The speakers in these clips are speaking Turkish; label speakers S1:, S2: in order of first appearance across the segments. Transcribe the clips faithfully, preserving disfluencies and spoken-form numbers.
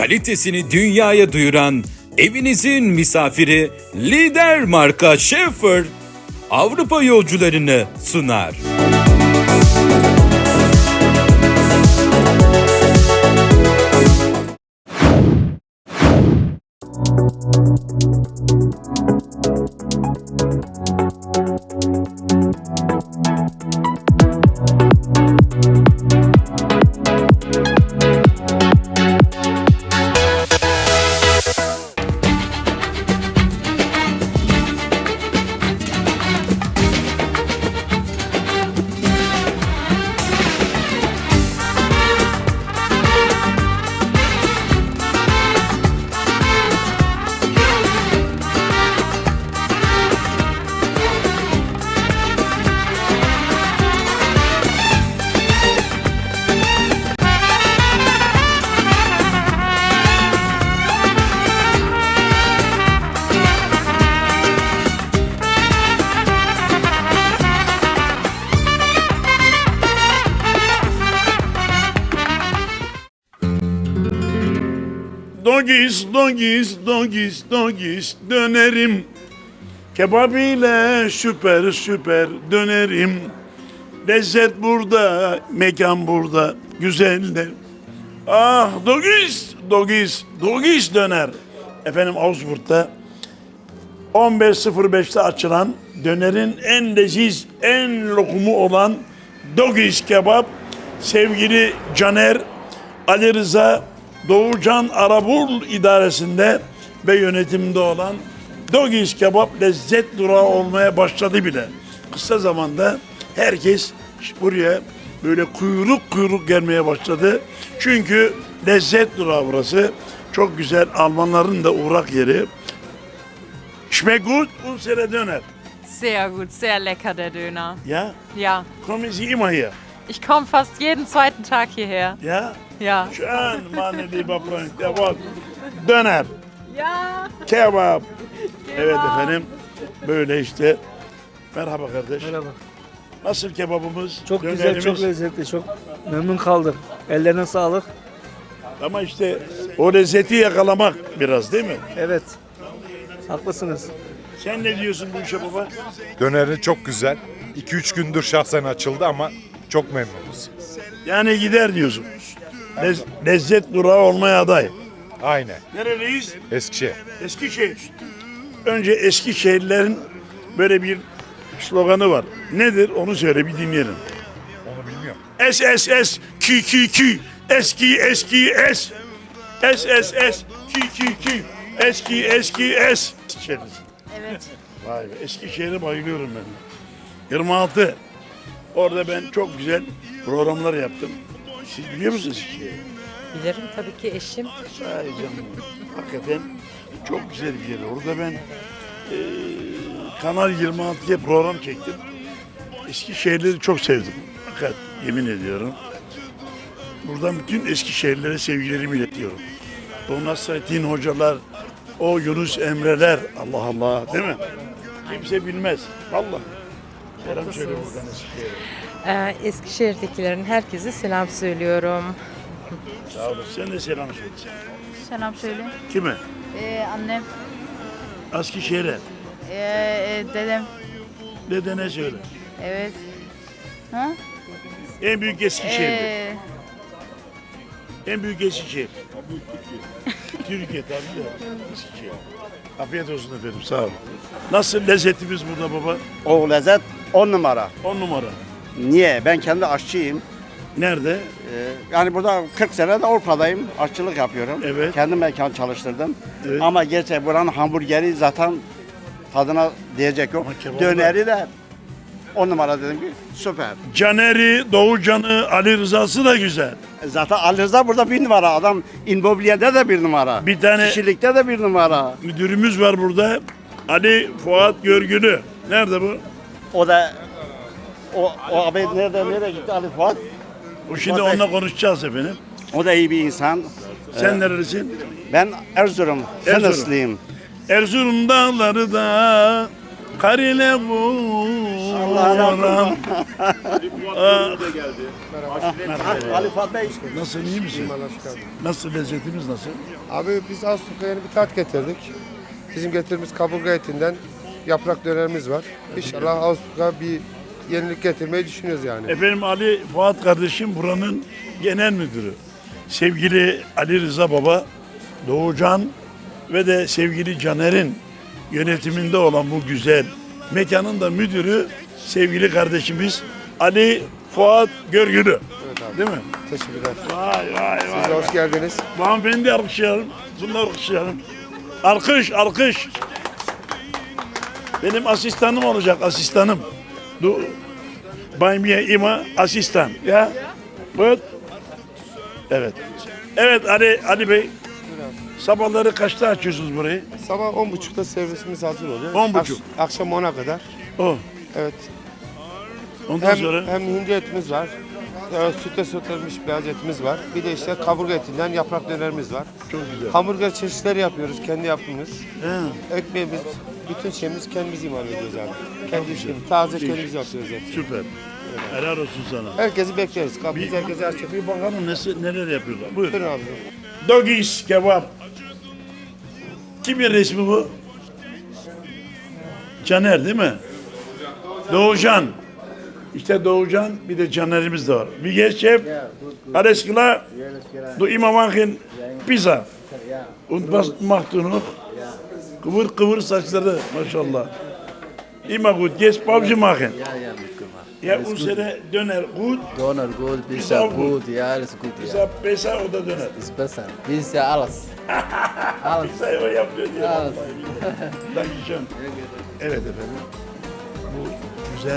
S1: kalitesini dünyaya duyuran evinizin misafiri lider marka Schaefer Avrupa yolcularını sunar.
S2: Dogis, dogis, dogis, dogis dönerim. Kebap ile süper süper dönerim. Lezzet burada, mekan burada, güzeller. Ah dogis, dogis, dogis döner. Efendim Augsburg'da on beş sıfır beşte açılan dönerin en leziz, en lokumu olan Dogis kebap. Sevgili Caner, Ali Rıza, Doğucan Arabul idaresinde ve yönetiminde olan Dogis kebap lezzet durağı olmaya başladı bile. Kısa zamanda herkes buraya böyle kuyruk kuyruk gelmeye başladı. Çünkü lezzet durağı burası. Çok güzel, Almanların da uğrak yeri. Schmeckt gut, unsere Döner.
S3: Sehr gut, sehr lecker der Döner.
S2: Ja?
S3: Ja,
S2: Kommen Sie immer hier?
S3: ich komme fast jeden zweiten Tag hierher.
S2: Ja?
S3: Ja.
S2: Schön, meine lieber Freund. Jawohl. Döner,
S3: Ja.
S2: kebap. Evet efendim, böyle işte. Merhaba kardeş.
S4: Merhaba.
S2: Nasıl kebabımız?
S4: Çok güzel,
S2: dönerimiz?
S4: çok lezzetli, çok memnun kaldım. Ellerine sağlık.
S2: Ama işte o lezzeti yakalamak biraz değil mi?
S4: Evet, haklısınız.
S2: Sen ne diyorsun bu işe baba?
S5: Döneri çok güzel. iki üç gündür şahsen açıldı ama çok memnunuz.
S2: Yani gider diyorsun. Lez- lezzet durağı olmaya aday.
S5: Aynen.
S2: Nereliyiz?
S5: Eskişehir.
S2: Eskişehir. Önce Eskişehirlilerin böyle bir sloganı var. Nedir? Onu söyle bir dinleyelim.
S5: Onu bilmiyorum.
S2: S S S Q Q Q Eski eski es S S S Q Q Q Eski eski es
S3: Evet.
S2: Vay be, Eskişehir'e bayılıyorum ben. yirmi altı. Orada ben çok güzel programlar yaptım. Siz biliyor musunuz Eskişehir'i?
S6: Bilirim tabii ki eşim.
S2: Ay canım. Hakikaten çok güzel bir yer. Orada ben eee Kanal yirmi altıya program çektim. Eskişehirleri çok sevdim. Fakat yemin ediyorum. Buradan bütün Eskişehirlilere sevgilerimi iletiyorum. O Nasrettin hocalar, o Yunus Emreler, Allah Allah değil mi? Kimse bilmez. Vallahi. Selam söyle buradan Eskişehir'e.
S6: Ee, Eskişehir'dekilerin herkese selam söylüyorum.
S2: Sağ olasın. Sen de selam söyle.
S7: Selam söyle.
S2: Kime?
S7: Ee, annem,
S2: Eskişehir'e.
S7: ee, e, dedem.
S2: Dedene söyle.
S7: Evet. Ha?
S2: En büyük Eskişehir'de.
S7: Ee,
S2: En büyük Eskişehir. Türkiye tabii de Eskişehir. Afiyet olsun efendim, sağ olun. Nasıl lezzetimiz burada baba?
S8: O lezzet on numara.
S2: On numara.
S8: Niye? Ben kendi aşçıyım.
S2: Nerede?
S8: Ee, yani burada kırk sene de Avrupa'dayım. Aşçılık yapıyorum.
S2: Evet.
S8: Kendi mekan çalıştırdım.
S2: Evet.
S8: Ama gerçek buranın hamburgeri zaten tadına diyecek yok.
S2: Ama kebabı-
S8: Döneri de on numara dedim ki süper.
S2: Caner'i, Doğucan'ı, Ali Rıza'sı da güzel.
S8: E Zaten Ali Rıza burada bir numara. Adam immobilyede de bir numara.
S2: Bir tane-
S8: Kişilikte de bir numara.
S2: Müdürümüz var burada. Ali Fuat Görgülü. Nerede bu?
S8: O da o, o abi nerede nereye gitti Ali Fuat?
S2: O şimdi
S8: Fuat Bey.
S2: onunla konuşacağız efendim.
S8: O da iyi bir insan.
S2: Sen nerelisin?
S8: Ben Erzurum,
S2: Erzurum.
S8: Sınıslıyım.
S2: Erzurum dağları da kar ile bu Oğlum.
S8: Ali Fuat Bey.
S2: Nasılsın, iyi misin? Nasıl, lezzetimiz nasıl?
S9: Abi biz Ağustos'ta yeni bir tat getirdik. Bizim getirdiğimiz kaburga etinden yaprak dönerimiz var. İnşallah Ağustos'ta bir yenilik getirmeyi düşünüyoruz yani.
S2: Efendim Ali Fuat kardeşim buranın genel müdürü. Sevgili Ali Rıza Baba, Doğucan ve de sevgili Caner'in yönetiminde olan bu güzel mekanın da müdürü sevgili kardeşimiz Ali Fuat Görgülü.
S9: Evet abi.
S2: Değil mi?
S9: Teşekkürler.
S2: Vay vay
S9: Siz
S2: vay.
S9: de hoş geldiniz.
S2: Bu hanımefendi alkışlayalım. Bunlar alkışlayalım. Alkış, alkış. Benim asistanım olacak, asistanım. Du Bay Mia İma asistan. Ya. Buyur. Evet. Evet Ali Ali Bey. Sabahları kaçta açıyorsunuz burayı?
S9: Sabah on buçukta servisimiz hazır oluyor.
S2: On buçuk.
S9: Akş- akşam ona kadar.
S2: O.
S9: Evet.
S2: Ondan
S9: Hem,
S2: sonra
S9: hem hindi etimiz var. Evet, sütle sütlenmiş beyaz etimiz var. Bir de işte kaburga etinden yaprak dönerimiz var.
S2: çok güzel.
S9: Hamburger çeşitleri yapıyoruz. Kendi yaptığımız.
S2: He,
S9: Ekmeğimiz, bütün şeyimiz kendimiz imal ediyoruz abi. Kendi işimiz. Taze kendimiz yapıyoruz hepsini.
S2: süper. Helal olsun sana.
S9: Herkesi bekleriz. Kapımız herkese açık.
S2: Bir bakalım nesi, neler yapıyorlar. Buyur.
S9: Buyurun abi.
S2: Doggies kebap. Kimin resmi bu? Caner değil mi? Doğucan. İşte Doğucan bir de Caner'imiz de var. Bir geç şef. Alles klar? Du immer machen pizza. Und was macht du noch? Kıvır kıvır saçları maşallah. Immer gut. Jetzt Pause machen.
S10: Ja, ja, gut gemacht.
S2: Ya unsere döner gut.
S10: Döner gut,
S2: Ist
S10: Pizza
S2: auch gut.
S10: gut, ja, alles gut, ja.
S2: Pizza pesa o da döner.
S10: Ist besser. Pizza alles. Alles.
S2: Pizza o yapıyor diye.
S10: Alles.
S2: Dankeschön. Evet efendim. Bu güzel.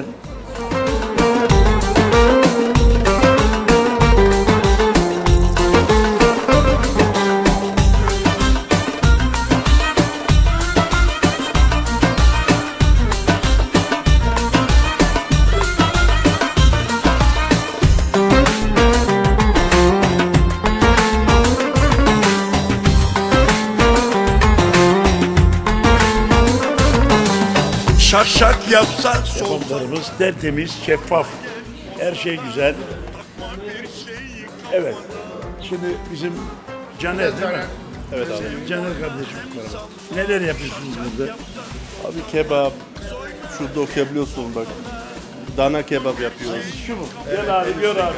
S11: Şak şak yapsak sol.
S2: Yapımlarımız tertemiz, şeffaf. Her şey güzel. Evet. Şimdi bizim Caner değil mi? Evet abi. Caner kardeşim. Neler yapıyorsunuz burada?
S8: Abi kebap. Şurada okuyabiliyorsun bak. Dana kebap yapıyoruz.
S2: Şu mu? Gel abi, gör abi.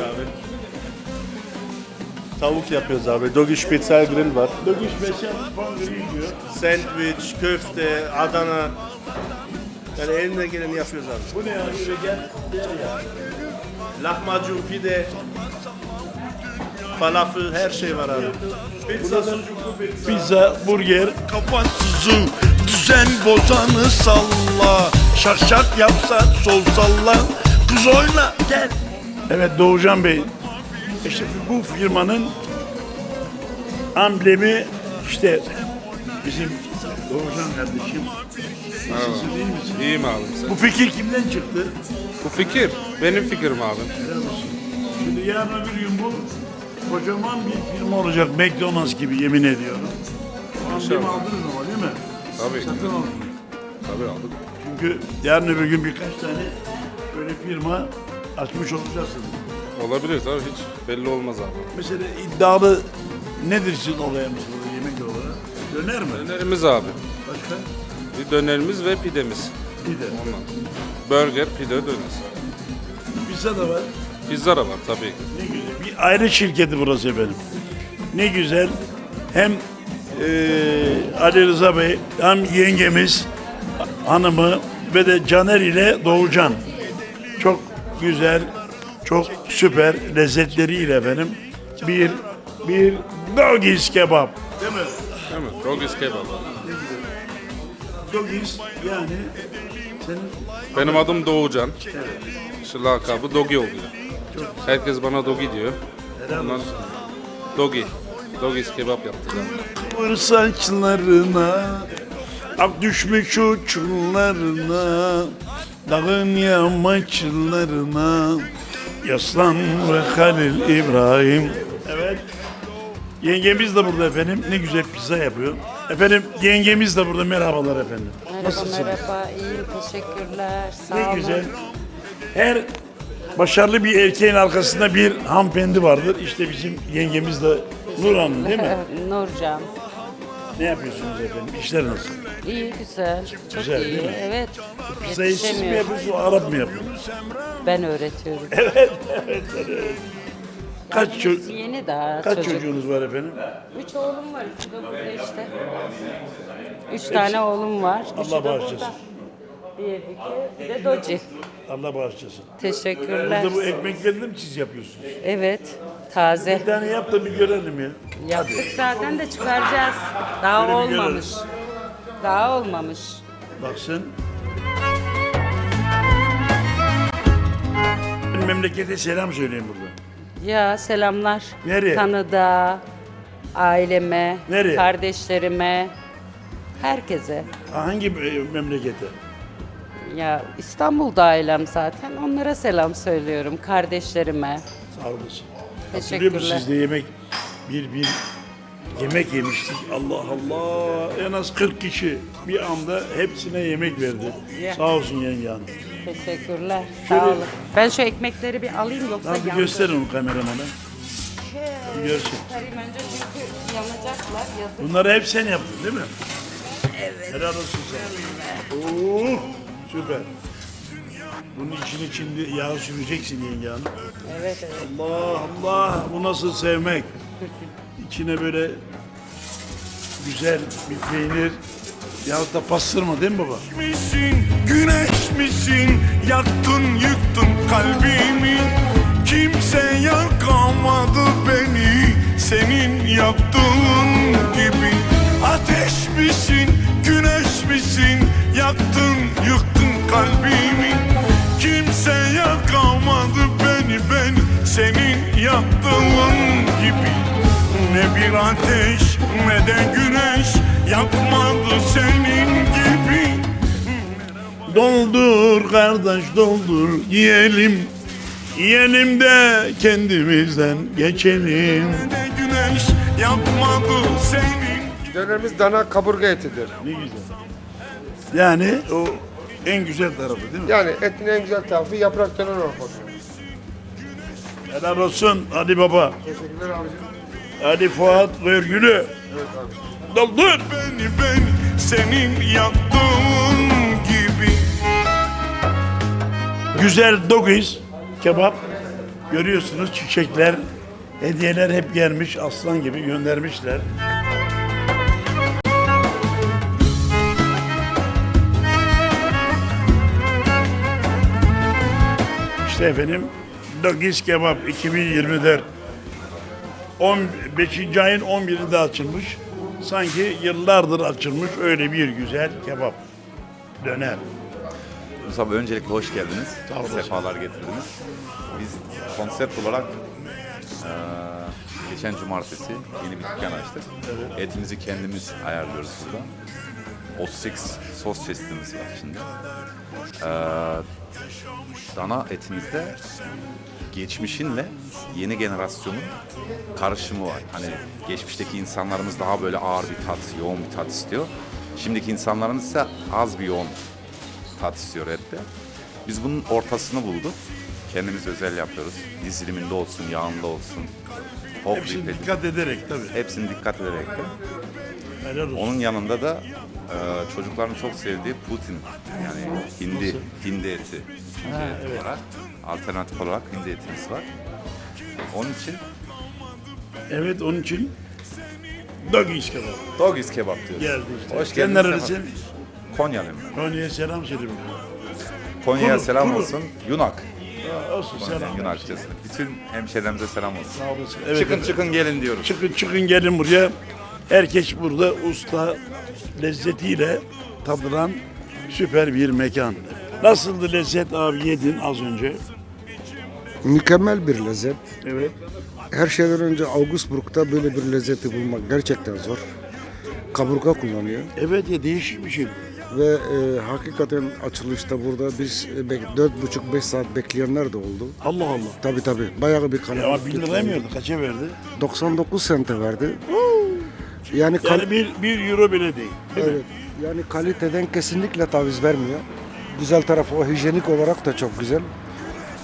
S8: Tavuk yapıyoruz abi. Doggy Spitzel Grill var.
S2: Döküş beşer puan grill diyor.
S8: Sandviç, köfte, Adana. Yani elinden geleni yapıyoruz abi.
S2: Bu ne ya? Şöyle gel. Gel ya.
S8: Lahmacun, pide, falafel, her şey var abi. Pizza, sucuklu pizza.
S2: Pizza, burger.
S11: Kafasızı düzen bozanı salla. Şak şak yapsak sol salla. Kız oyna gel.
S2: Evet Doğucan Bey. İşte bu firmanın amblemi işte bizim Doğucan kardeşim. Nasılsın, iyi misin?
S5: İyiyim abi. Sen.
S2: Bu fikir kimden çıktı?
S5: Bu fikir benim fikrim abi.
S2: Şimdi yarın öbür gün bu kocaman bir firma olacak. McDonald's gibi yemin ediyorum. O amblemi
S5: İnşallah.
S2: aldınız ama değil mi?
S5: Tabii.
S2: Satın aldınız.
S5: Tabii aldık.
S2: Çünkü yarın öbür gün birkaç tane böyle firma açmış olacaksınız.
S5: Olabilir tabii, hiç belli olmaz abi.
S2: Mesela iddialı nedir sizin olayımız burada yemek olarak? Döner mi?
S5: Dönerimiz abi.
S2: Başka?
S5: Bir dönerimiz ve pidemiz.
S2: Pide.
S5: Ondan. Burger, pide, döner.
S2: Pizza da var.
S5: Pizza da var tabii ki.
S2: Ne güzel. Bir aile şirketi burası efendim. Ne güzel. Hem eee Ali Rıza Bey hem yengemiz hanımı ve de Caner ile Doğucan. Çok güzel, çok süper lezzetleriyle efendim. Bir bir Doggies kebap. Değil mi?
S5: Değil mi? Doggies kebap.
S2: Doggies yani senin
S5: Benim adım Doğucan. Şu lakabı Dogi oluyor. Herkes bana Dogi diyor. Ondan Dogi. Doggies kebap yaptık abi.
S2: kıvır saçlarına, ak düşmüş uçlarına, dağın yamaçlarına, yaslan ve Halil İbrahim. Evet. Yengemiz de burada efendim. Ne güzel pizza yapıyor. Efendim yengemiz de burada. Merhabalar efendim.
S6: Merhaba, merhaba. İyiyim, teşekkürler. Sağ
S2: Ne
S6: olun.
S2: güzel. Her başarılı bir erkeğin arkasında bir hanımefendi vardır. İşte bizim yengemiz de Nur Hanım değil mi?
S3: Nurcan.
S2: Ne yapıyorsunuz efendim? İşler nasıl?
S3: İyi, güzel. Çok
S2: Güzel,
S3: iyi.
S2: değil mi?
S3: Evet.
S2: Pizzayı siz mi
S3: Yetişemiyorum.
S2: yapıyorsunuz, Arap mı yapıyor?
S3: Ben öğretiyorum.
S2: Kaç, ço-
S3: Yeni daha
S2: kaç
S3: çocuk.
S2: çocuğunuz var efendim?
S3: Üç oğlum var. İkisi de burada işte. Üç tane oğlum var. Üçü
S2: Allah
S3: de
S2: bağışlasın.
S3: burada. Bir, iki, bir de Doci.
S2: Allah bağışlasın.
S3: Teşekkürler.
S2: Burada bu ekmekleri de mi siz yapıyorsunuz?
S3: Evet. Taze.
S2: Bir tane yap da bir görelim ya.
S3: Yaptık zaten de çıkaracağız. Daha
S2: Böyle bir
S3: olmamış. Daha olmamış.
S2: Baksın. Memlekete selam söyleyin burada.
S3: Ya selamlar.
S2: Nereye?
S3: Tanıda, aileme,
S2: Nereye?
S3: kardeşlerime, herkese.
S2: Hangi e, memlekete?
S3: Ya İstanbul'da ailem zaten. Onlara selam söylüyorum. Kardeşlerime.
S2: Sağ olasın. Hatırlıyor musunuz
S3: Teşekkürler.
S2: siz de yemek bir bir yemek yemiştik. Allah Allah. En az kırk kişi bir anda hepsine yemek verdi.
S3: Ya.
S2: Sağ olsun yenge hanım.
S3: Teşekkürler.
S2: Şöyle-
S3: Sağ olun. Ben şu ekmekleri bir alayım yoksa
S2: Tamam bir
S3: yandı.
S2: gösterin o kameramana. Bir görsün.
S3: Çıkarayım önce çünkü yanacaklar. Yazık.
S2: Bunları hep sen yaptın değil mi? Evet. Helal olsun sana. Oo, süper. Bunun içine şimdi yağ süreceksin yenge hanım.
S3: Evet evet.
S2: Allah Allah bu nasıl sevmek. İçine böyle güzel bir peynir yahut da pastırma değil mi baba?
S11: misin, güneş misin? Yaktın yıktın kalbimi. Kimse yakamadı beni senin yaktığın gibi. Ateş misin, güneş misin? Yaktın yıktın kalbimi. Kimse yakamadı beni beni senin yaktığın gibi. Ne bir ateş ne de güneş yakmadı senin gibi.
S2: Doldur kardeş doldur yiyelim. Yiyelim de kendimizden geçelim.
S11: Ne de güneş yakmadı senin.
S9: Dönerimiz dana kaburga etidir.
S2: Ne güzel. Yani o en güzel tarafı değil mi?
S9: Yani etin en güzel tarafı yaprak döner olması.
S2: Helal olsun Ali Baba.
S9: Teşekkürler abicim.
S2: Ali Fuat Vergülü.
S9: Evet abi.
S2: Doldur.
S11: Beni beni senin yaktığın gibi.
S2: Güzel doggies kebap. Görüyorsunuz çiçekler, hediyeler hep gelmiş. Aslan gibi göndermişler. İşte efendim Doggies Kebap iki bin yirmi dört. on beşinci ayın on birinde açılmış. Sanki yıllardır açılmış öyle bir güzel kebap. Döner.
S12: Mustafa öncelikle hoş geldiniz.
S2: Sağ olasın.
S12: Sefalar getirdiniz. Biz konsept olarak eee, geçen cumartesi yeni bir dükkan açtık. Etimizi kendimiz ayarlıyoruz burada. otuz sekiz sos çeşitimiz var şimdi. Eee, dana etimizde geçmişinle yeni generasyonun karışımı var. Hani geçmişteki insanlarımız daha böyle ağır bir tat, yoğun bir tat istiyor. Şimdiki insanlarımız ise az bir yoğun tat istiyor ette. Biz bunun ortasını bulduk. Kendimiz özel yapıyoruz. Diziliminde olsun, yağında olsun. Hop
S2: Hepsini
S12: ripledim.
S2: dikkat ederek tabii.
S12: Hepsini dikkat ederek de.
S2: Helal olsun.
S12: Onun yanında da e, çocukların çok sevdiği Putin, yani hindi, hindi eti. Hindi eti olarak, alternatif olarak hindi etimiz var. Onun için
S2: Evet onun için Doggies Kebap
S12: Doggies kebap diyoruz.
S2: geldi işte.
S12: Hoş
S2: Sen
S12: geldiniz.
S2: nerelisin?
S12: Konyalıyım ben.
S2: Konya'ya selam söyle.
S12: Konya'ya
S2: Kuru,
S12: selam
S2: kuru.
S12: olsun. Yunak.
S2: Aa, Olsun
S12: Konya,
S2: selam.
S12: Yunakçası. Bütün hemşehrilerimize selam olsun.
S2: Sağ olasın. Evet,
S12: çıkın
S2: evet.
S12: çıkın gelin diyoruz.
S2: Çıkın çıkın gelin buraya. Herkes burada usta lezzetiyle tadılan süper bir mekan. Nasıldı lezzet abi yedin az önce?
S9: Mükemmel bir lezzet.
S2: Evet.
S9: Her şeyden önce Augsburg'da böyle bir lezzeti bulmak gerçekten zor. Kaburga kullanıyor.
S2: Evet ya değişik bir şey.
S9: Ve e, hakikaten açılışta burada biz e, bek- dört buçuk beş saat bekleyenler de oldu.
S2: Allah Allah.
S9: Tabii tabii. Bayağı bir
S2: Ya
S9: kalabalık.
S2: ama bin lira mı verdi? Kaça verdi?
S9: doksan dokuz sente verdi. Yani, kal-
S2: Yani bir, bir euro bile değil. Değil mi?
S9: evet, yani kaliteden kesinlikle taviz vermiyor. Güzel tarafı o hijyenik olarak da çok güzel.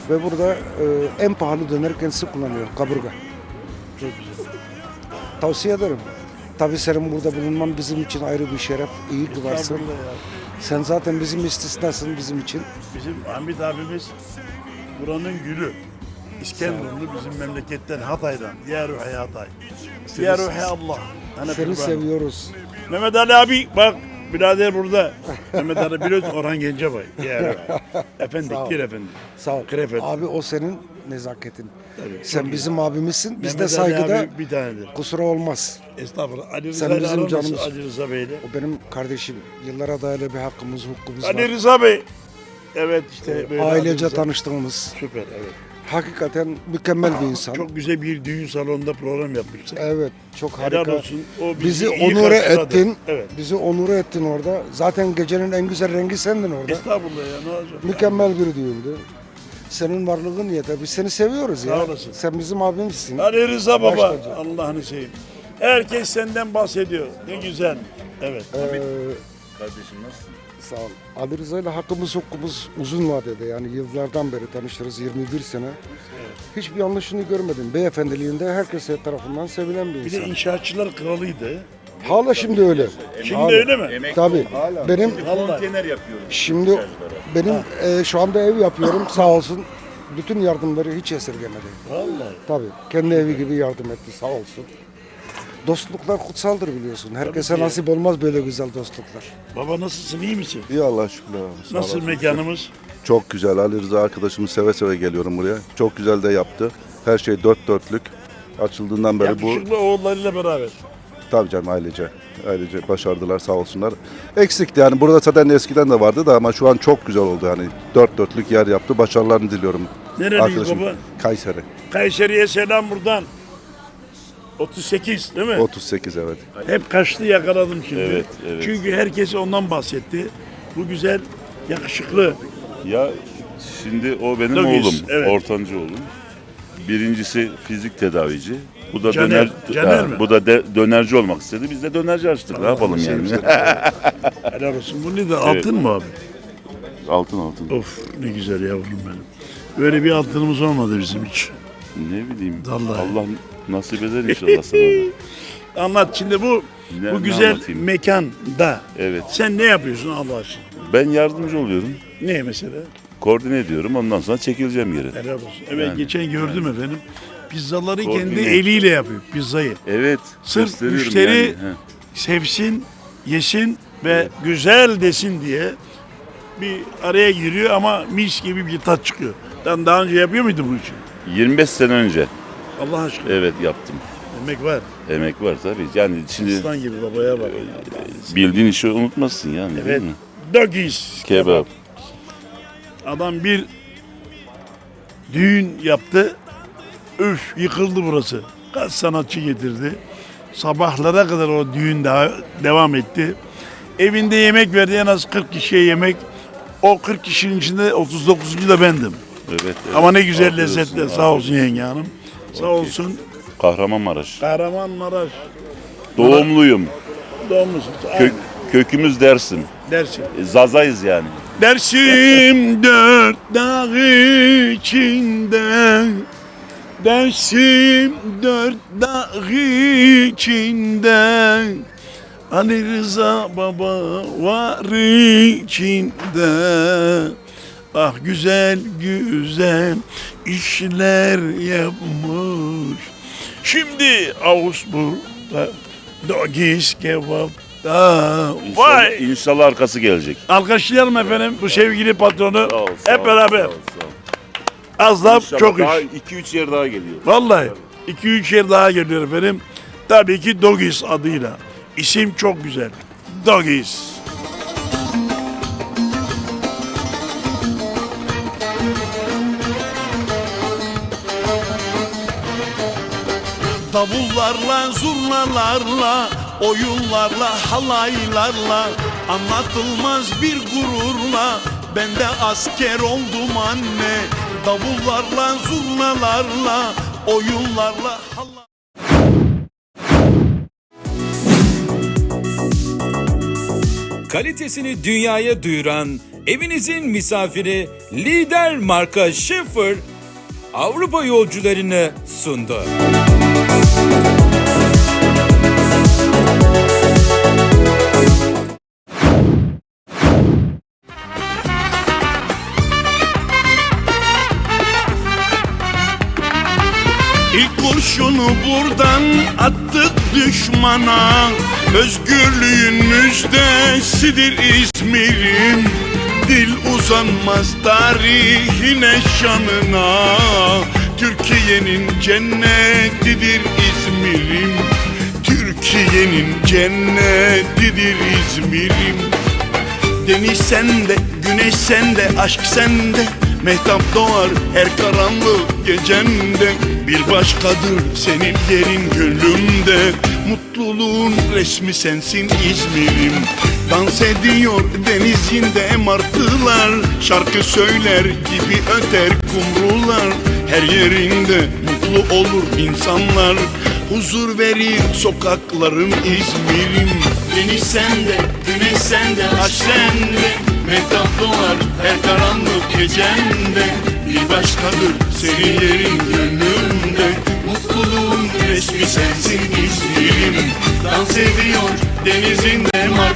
S9: Ve burada e, en pahalı döner kendisi kullanıyor, kaburga.
S2: Çok güzel.
S9: Tavsiye ederim. Tabii senin burada bulunman bizim için ayrı bir şeref. İyi ki varsın.
S2: Estağfurullah ya.
S9: Sen zaten bizim istisnasın bizim için.
S2: Bizim Hamit abimiz buranın gülü. İskenderunlu bizim memleketten Hatay'dan. Ya Ruhi Hatay. Ya Ruhi Allah. Hani
S9: Seni
S2: kurban.
S9: seviyoruz.
S2: Mehmet Ali abi bak birader burada. Mehmet Ali biliyorsun Orhan Gencebay. Ya Ruhi. Efendi,
S9: Sağ ol.
S2: gir efendi.
S9: Sağ ol.
S2: Krefet.
S9: Abi o senin nezaketin.
S2: Tabii,
S9: Sen
S2: çok
S9: bizim abimizsin. Biz de
S2: Mehmet Ali
S9: saygıda
S2: abi bir tanedir.
S9: kusura olmaz.
S2: Estağfurullah. Ali Rıza
S9: Sen
S2: ile
S9: bizim
S2: aran nasıl?
S9: canımız.
S2: Ali Rıza Bey'le.
S9: O benim kardeşim. Yıllara dayalı bir hakkımız, hukukumuz
S2: Ali
S9: var.
S2: Rıza Bey. Evet işte böyle. Ali
S9: Ailece
S2: Rıza.
S9: tanıştığımız.
S2: Süper evet.
S9: Hakikaten mükemmel bir insan.
S2: Çok güzel bir düğün salonunda program yapmıştık.
S9: Evet, çok
S2: Helal
S9: harika.
S2: olsun. O bizi,
S9: Bizi
S2: iyi
S9: onure
S2: karşıladı.
S9: ettin.
S2: Evet.
S9: Bizi onure ettin orada. Zaten gecenin en güzel rengi sendin orada.
S2: Estağfurullah ya ne olacak?
S9: Mükemmel bir düğündü. Senin varlığın yeter. Biz seni seviyoruz ya.
S2: Sağ olasın.
S9: Sen bizim abimizsin.
S2: Ali Rıza Baba.
S9: Baş tacı.
S2: Allah'ını seveyim. Herkes senden bahsediyor. Ne güzel. Evet.
S9: Ee,
S12: Kardeşim nasılsın?
S9: sağ ol. Ali Rıza ile hakkımız hukukumuz uzun vadede. Yani yıllardan beri tanışırız. yirmi bir sene. Hiçbir yanlışını görmedim. Beyefendiliğinde herkes tarafından sevilen bir
S2: Bir de
S9: insan.
S2: inşaatçılar kralıydı.
S9: Hala şimdi öyle.
S2: Şimdi
S9: Hala.
S2: öyle mi?
S9: Tabii. Benim
S2: Vallahi.
S12: yapıyorum.
S9: şimdi benim e, şu anda ev yapıyorum. Sağ olsun. Bütün yardımları hiç esirgemedi.
S2: Vallahi.
S9: Tabii. Kendi evi gibi yardım etti. Sağ olsun. Dostluklar kutsaldır biliyorsun. Herkese
S2: Tabii ki.
S9: nasip olmaz böyle güzel dostluklar.
S2: Baba nasılsın? İyi misin?
S13: İyi Allah şükürler olsun. Sağ
S2: Nasıl
S13: olasın.
S2: mekanımız?
S13: Çok güzel. Ali Rıza arkadaşımız seve seve geliyorum buraya. Çok güzel de yaptı. Her şey dört dörtlük. Açıldığından beri bu
S2: Yakışıklı oğullarıyla beraber.
S13: tabii canım ailece. Ailece başardılar sağ olsunlar. Eksikti yani burada zaten eskiden de vardı da ama şu an çok güzel oldu yani. Dört dörtlük yer yaptı. Başarılarını diliyorum.
S2: Nereliyiz
S13: Arkadaşım.
S2: baba?
S13: Kayseri.
S2: Kayseri'ye selam buradan. otuz sekiz değil mi?
S13: otuz sekiz evet.
S2: Hep kaçtı yakaladım şimdi.
S12: Evet, evet.
S2: Çünkü herkes ondan bahsetti. Bu güzel, yakışıklı.
S12: Ya şimdi o benim
S2: Dogis,
S12: oğlum,
S2: evet.
S12: ortancı oğlum. Birincisi fizik tedavici. Bu da
S2: Caner,
S12: döner,
S2: Caner
S12: ha,
S2: mi?
S12: bu da de, dönerci olmak istedi. Biz de dönerci açtık. Ne yapalım yani?
S2: Helal olsun. Bu ne de altın mı abi?
S12: Altın altın.
S2: Of ne güzel yavrum benim. Böyle bir altınımız olmadı bizim hiç.
S12: Ne bileyim.
S2: Vallahi.
S12: Allah nasip eder inşallah sana.
S2: Anlat şimdi bu
S12: Ne-
S2: bu
S12: ne
S2: güzel
S12: anlatayım?
S2: mekanda
S12: Evet.
S2: sen ne yapıyorsun Allah aşkına?
S12: Ben yardımcı oluyorum.
S2: Ne mesela?
S12: Koordine ediyorum. Ondan sonra çekileceğim yere.
S2: Helal olsun. Evet
S12: Yani,
S2: geçen gördüm efendim. Pizzaları kendi
S12: Koordine.
S2: eliyle yapıyor pizzayı.
S12: Evet.
S2: Sırf
S12: gösteriyorum
S2: müşteri
S12: yani. He.
S2: sevsin, yesin ve güzel desin diye bir araya giriyor ama mis gibi bir tat çıkıyor. Sen daha önce yapıyor muydun bu işi?
S12: yirmi beş sene önce.
S2: Allah aşkına.
S12: Evet yaptım.
S2: Emek var.
S12: Emek var tabii. Yani şimdi
S2: Aslan gibi babaya bak.
S12: bildiğin işi unutmazsın yani.
S2: Evet.
S12: Değil mi?
S2: Doggies.
S12: Kebap.
S2: Adam bir düğün yaptı. Üf yıkıldı burası. Kaç sanatçı getirdi. Sabahlara kadar o düğün daha devam etti. Evinde yemek verdi en az kırk kişiye yemek. O kırk kişinin içinde otuz dokuzuncu da bendim.
S12: Evet, evet.
S2: Ama ne güzel
S12: Afiyet olsun,
S2: lezzetler.
S12: afiyet
S2: Sağ olsun yenge hanım. Sağ
S12: Okey.
S2: olsun.
S12: Kahramanmaraş.
S2: Kahramanmaraş.
S12: Doğumluyum.
S2: Doğmuşsun.
S12: Kö- kökümüz Dersim.
S2: Dersim.
S12: E, Zazayız yani.
S2: Dersim dört dağ içinde. Dersim dört dağ içinde. Ali Rıza Baba var içinde. Ah güzel güzel işler yapmış. Şimdi Ağustos'ta Doggies kebapta. Vay!
S12: İnşallah, inşallah arkası gelecek.
S2: Alkışlayalım efendim bu sevgili patronu.
S12: Sağ ol, sağ
S2: Hep
S12: ol,
S2: beraber.
S12: sağ ol, sağ ol.
S2: Az laf
S12: İnşallah
S2: çok
S12: daha
S2: iş.
S12: iki üç yer daha geliyor.
S2: Vallahi iki üç yer daha geliyor efendim. Tabii ki Doggies adıyla. İsim çok güzel. Doggies. Davullarla, zurnalarla, oyunlarla, halaylarla, anlatılmaz bir gururla ben de asker oldum anne. Davullarla, zurnalarla, oyunlarla, halaylarla.
S1: Kalitesini dünyaya duyuran, evinizin misafiri lider marka Schaefer Avrupa yolcularını sundu.
S11: İlk kurşunu buradan attık düşmana. Özgürlüğün müjdesidir İzmir'im. Dil uzanmaz tarihine şanına. Türkiye'nin cennetidir İzmir'im. Türkiye'nin cennetidir İzmir'im. Deniz sende, güneş sende, aşk sende. Mehtap doğar her karanlık gecende. Bir başkadır senin yerin gönlümde. Mutluluğun resmi sensin İzmir'im. Dans ediyor denizinde martılar. Şarkı söyler gibi öter kumrular. Her yerinde mutlu olur insanlar. Huzur verir sokakların İzmir'im. Deniz sende, güneş sende, aşk sende. Mehtap doğar her karanlık gecende. Bir başkadır senin yerin gönlümde. Mutluluğun resmi sensin İzmir'im. Dans ediyor denizinde mar